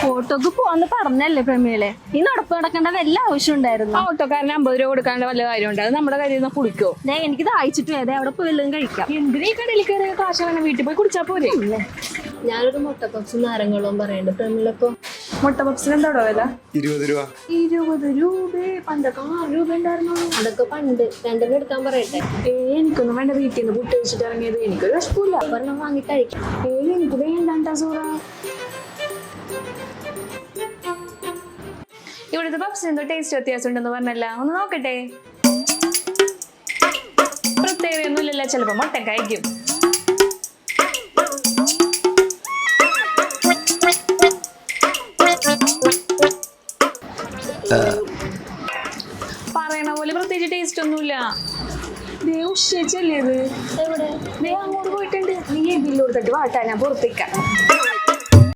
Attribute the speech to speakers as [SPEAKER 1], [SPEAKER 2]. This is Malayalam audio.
[SPEAKER 1] ഓട്ടോക്ക് പോവാന്ന് പറഞ്ഞല്ലേ പ്രമീളെ, ഈ നടപ്പ് നടക്കേണ്ട വല്ല ആവശ്യം ഉണ്ടായിരുന്നു.
[SPEAKER 2] ഓട്ടോക്കാരന് 50 രൂപ കൊടുക്കാണ്ട് വല്ല കാര്യമുണ്ട്? അത് നമ്മുടെ കയ്യിൽ നിന്ന് കുളിക്കോ?
[SPEAKER 1] എനിക്ക് ദാഹിച്ചിട്ട് വേദ അവിടെ പോയി വല്ലതും കഴിക്കാം.
[SPEAKER 2] എന്തിനാ ഈ കടയിൽ കയറിയ കാശ് വേണം? വീട്ടിൽ പോയി കുടിച്ചാ പോരെ?
[SPEAKER 1] ഞാനൊരു മുട്ടപ്പപ്സും നാരങ്ങളും പറയണ്ട് പ്രമീളപ്പോ.
[SPEAKER 2] മുട്ട പപ്സിന് എന്താടോ വില?
[SPEAKER 3] 20 രൂപ.
[SPEAKER 2] 20 രൂപ? പണ്ടൊക്കെ 6 രൂപ ഉണ്ടായിരുന്നു.
[SPEAKER 1] അതൊക്കെ പണ്ട്. രണ്ടെണ്ണം എടുക്കാൻ പറയട്ടെ?
[SPEAKER 2] എനിക്കൊന്നും വേണ്ട. വീട്ടിൽ നിന്ന് പുട്ട് വെച്ചിട്ട് ഇറങ്ങിയത്. എനിക്കൊരു വിഷമില്ല.
[SPEAKER 1] ഒരെണ്ണം വാങ്ങി കഴിക്കാം.
[SPEAKER 2] എനിക്ക് വേണ്ടാ സൂറ. ഇവിടുത്തെ പപ്സിന് എന്തോ ടേസ്റ്റ് വ്യത്യാസം ഉണ്ടെന്ന് പറഞ്ഞല്ല, ഒന്ന് നോക്കട്ടെ. പ്രത്യേകതയൊന്നും ഇല്ലല്ലോ, ചിലപ്പോ മുട്ട കഴിക്കും. പറയണ പോലെ പ്രത്യേകിച്ച് ടേസ്റ്റ് ഒന്നുമില്ല. ഉച്ചല്ലേ ഇത്?
[SPEAKER 1] എവിടെ?
[SPEAKER 2] അങ്ങോട്ട് പോയിട്ടുണ്ട്. നീ ബില്ല് കൊടുത്തിട്ട് വാട്ടാ, ഞാൻ പുറത്തേക്കാം.